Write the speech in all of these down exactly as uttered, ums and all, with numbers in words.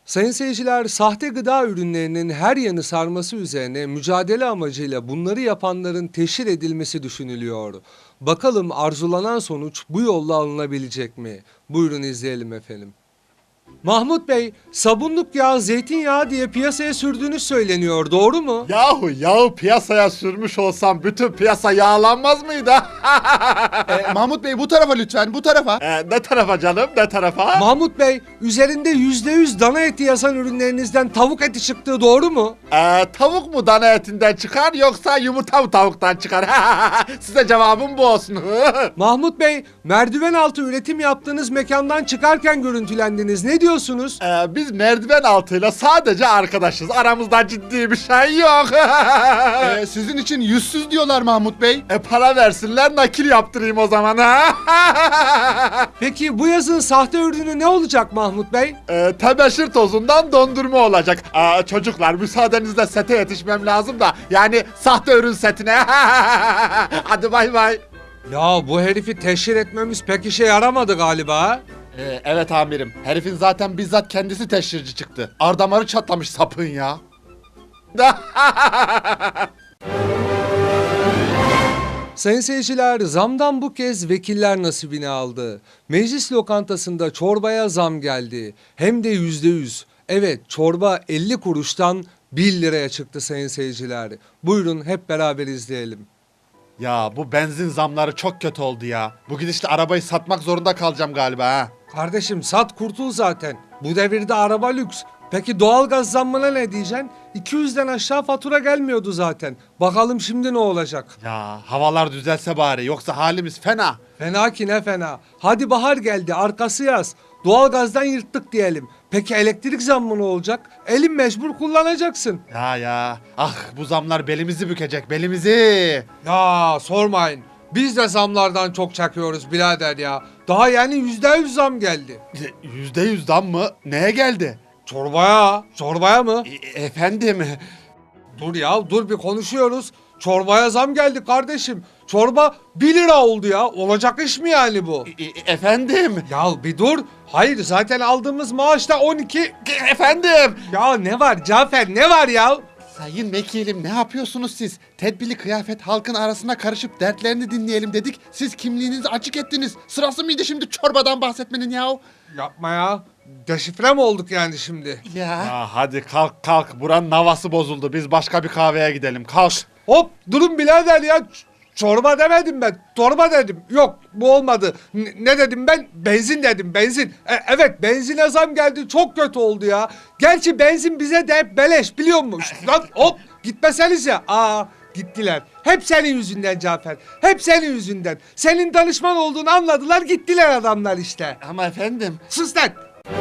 Sayın seyirciler, sahte gıda ürünlerinin her yanı sarması üzerine mücadele amacıyla bunları yapanların teşhir edilmesi düşünülüyor. Bakalım arzulanan sonuç bu yolla alınabilecek mi? Buyurun izleyelim efendim. Mahmut Bey, sabunluk yağ, zeytinyağı diye piyasaya sürdüğünüz söyleniyor, doğru mu? Yahu yağı piyasaya sürmüş olsam bütün piyasa yağlanmaz mıydı? Ee, Mahmut Bey bu tarafa lütfen, bu tarafa. Ee, ne tarafa canım, ne tarafa? Mahmut Bey, üzerinde yüzde yüz dana eti yazan ürünlerinizden tavuk eti çıktığı doğru mu? Ee, tavuk mu dana etinden çıkar yoksa yumurta mı tavuktan çıkar? Size cevabım bu olsun. Mahmut Bey, merdiven altı üretim yaptığınız mekandan çıkarken görüntülendiniz. Ne diyorsunuz? Ee, biz merdiven altıyla sadece arkadaşız. Aramızda ciddi bir şey yok. Ee, sizin için yüzsüz diyorlar Mahmut Bey. e para versinler nakil yaptırayım o zaman. Peki bu yazın sahte ürünü ne olacak Mahmut Bey? Ee, tebeşir tozundan dondurma olacak. Aa, çocuklar müsaadenizle sete yetişmem lazım da. Yani sahte ürün setine. Hadi bay bay. Ya bu herifi teşhir etmemiz pek işe yaramadı galiba. Ee, evet amirim. Herifin zaten bizzat kendisi teşhirci çıktı. Ardamarı çatlamış sapın ya. Sayın seyirciler, zamdan bu kez vekiller nasibini aldı. Meclis lokantasında çorbaya zam geldi. Hem de yüzde yüz. Evet, çorba elli kuruştan bir liraya çıktı sayın seyirciler. Buyurun hep beraber izleyelim. Ya bu benzin zamları çok kötü oldu ya. Bu gidişle arabayı satmak zorunda kalacağım galiba ha. Kardeşim sat kurtul zaten. Bu devirde araba lüks. Peki doğalgaz zammına ne diyeceksin? iki yüzden aşağı fatura gelmiyordu zaten. Bakalım şimdi ne olacak? Ya havalar düzelse bari yoksa halimiz fena. Fena ki ne fena. Hadi bahar geldi, arkası yaz. Doğalgazdan yırttık diyelim. Peki elektrik zammı ne olacak? Elin mecbur kullanacaksın. Ya ya ah bu zamlar belimizi bükecek belimizi. Ya sormayın. Biz de zamlardan çok çekiyoruz birader ya. Daha yani yüzde yüz zam geldi. Yüzde yüz zam mı? Neye geldi? Çorbaya, çorbaya mı? E- efendim. Dur ya, dur bir konuşuyoruz. Çorbaya zam geldi kardeşim. Çorba bir lira oldu ya. Olacak iş mi yani bu? E- e- efendim. Ya bir dur. Hayır, zaten aldığımız maaş da on iki. E- efendim. Ya ne var Cafer, ne var ya? Sayın vekilim ne yapıyorsunuz siz? Tedbirli kıyafet halkın arasına karışıp dertlerini dinleyelim dedik. Siz kimliğinizi açık ettiniz. Sırası mıydı şimdi çorbadan bahsetmenin yahu? Yapma ya. Deşifre mi olduk yani şimdi? Ya. Ya hadi kalk kalk buranın havası bozuldu biz başka bir kahveye gidelim kalk. Hop durun birader ya. Ç- Çorba demedim ben. Torba dedim. Yok bu olmadı. N- ne dedim ben? Benzin dedim benzin. E- evet benzine zam geldi. Çok kötü oldu ya. Gerçi benzin bize de hep beleş biliyor musun? Lan hop gitmeseniz ya. Aa gittiler. Hep senin yüzünden Cafer. Hep senin yüzünden. Senin danışman olduğunu anladılar gittiler adamlar işte. Ama efendim. Sus lan!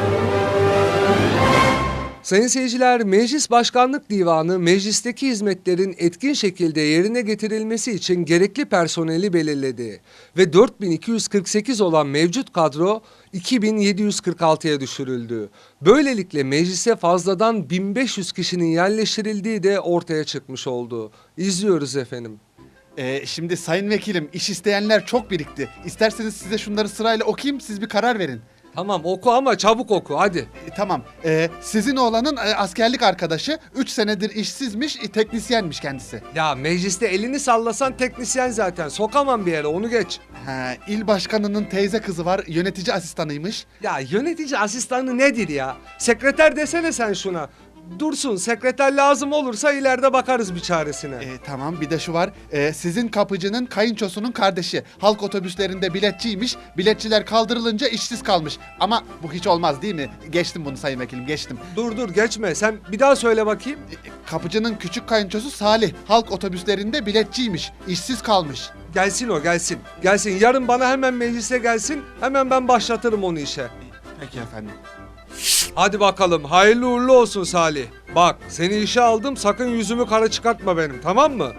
Sayın seyirciler, Meclis Başkanlık Divanı meclisteki hizmetlerin etkin şekilde yerine getirilmesi için gerekli personeli belirledi ve dört bin iki yüz kırk sekiz olan mevcut kadro iki bin yedi yüz kırk altıya düşürüldü. Böylelikle meclise fazladan bin beş yüz kişinin yerleştirildiği de ortaya çıkmış oldu. İzliyoruz efendim. Ee, şimdi sayın vekilim iş isteyenler çok birikti. İsterseniz size şunları sırayla okuyayım siz bir karar verin. Tamam oku ama çabuk oku hadi. E, tamam. Ee, sizin oğlanın e, askerlik arkadaşı üç senedir işsizmiş, e, teknisyenmiş kendisi. Ya mecliste elini sallasan teknisyen zaten sokamam bir yere onu geç. Ha, il başkanının teyze kızı var, yönetici asistanıymış. Ya yönetici asistanı nedir ya? Sekreter desene sen şuna. Dursun sekreter lazım olursa ileride bakarız bir çaresine. E, tamam bir de şu var. E, sizin kapıcının kayınçosunun kardeşi. Halk otobüslerinde biletçiymiş. Biletçiler kaldırılınca işsiz kalmış. Ama bu hiç olmaz değil mi? Geçtim bunu sayın vekilim geçtim. Dur dur geçme sen bir daha söyle bakayım. E, kapıcının küçük kayınçosu Salih. Halk otobüslerinde biletçiymiş. İşsiz kalmış. Gelsin o gelsin. Gelsin yarın bana hemen meclise gelsin. Hemen ben başlatırım onu işe. Peki efendim. Hadi bakalım hayırlı uğurlu olsun Salih. Bak seni işe aldım sakın yüzümü kara çıkartma benim tamam mı?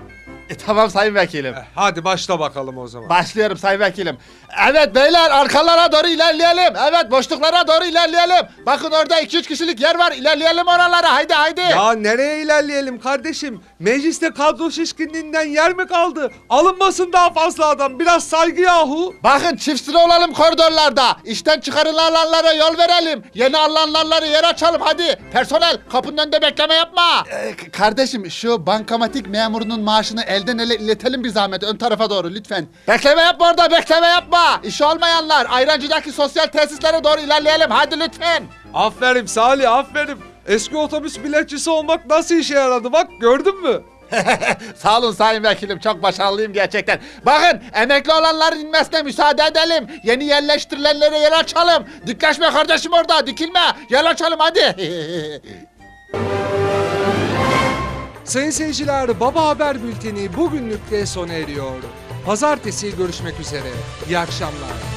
E, tamam sayın vekilim. Eh, Hadi başla bakalım o zaman. Başlıyorum sayın vekilim. Evet beyler arkalara doğru ilerleyelim. Evet boşluklara doğru ilerleyelim. Bakın orada iki üç kişilik yer var. İlerleyelim oralara. Haydi haydi. Ya nereye ilerleyelim kardeşim? Mecliste kadro şişkinliğinden yer mi kaldı? Alınmasın daha fazla adam. Biraz saygı yahu. Bakın çift sıra olalım koridorlarda. İşten çıkarılanlara yol verelim. Yeni alınanlara yer açalım hadi. Personel kapının önünde bekleme yapma. Ee, k- kardeşim şu bankamatik memurunun maaşını elden ele iletelim bir zahmet ön tarafa doğru lütfen. Bekleme yapma orada bekleme yapma. İşi olmayanlar ayrancıdaki sosyal tesislere doğru ilerleyelim hadi lütfen. Aferin Salih, aferin. Eski otobüs biletçisi olmak nasıl işe yaradı bak, gördün mü? Sağ olun sayın vekilim çok başarılıyım gerçekten. Bakın emekli olanların inmesine müsaade edelim. Yeni yerleştirilenlere yer açalım. Dikleşme kardeşim orada dikilme. Yer açalım hadi. Sayın seyirciler, Baba Haber Bülteni bugünlük de sona eriyor. Pazartesi görüşmek üzere. İyi akşamlar.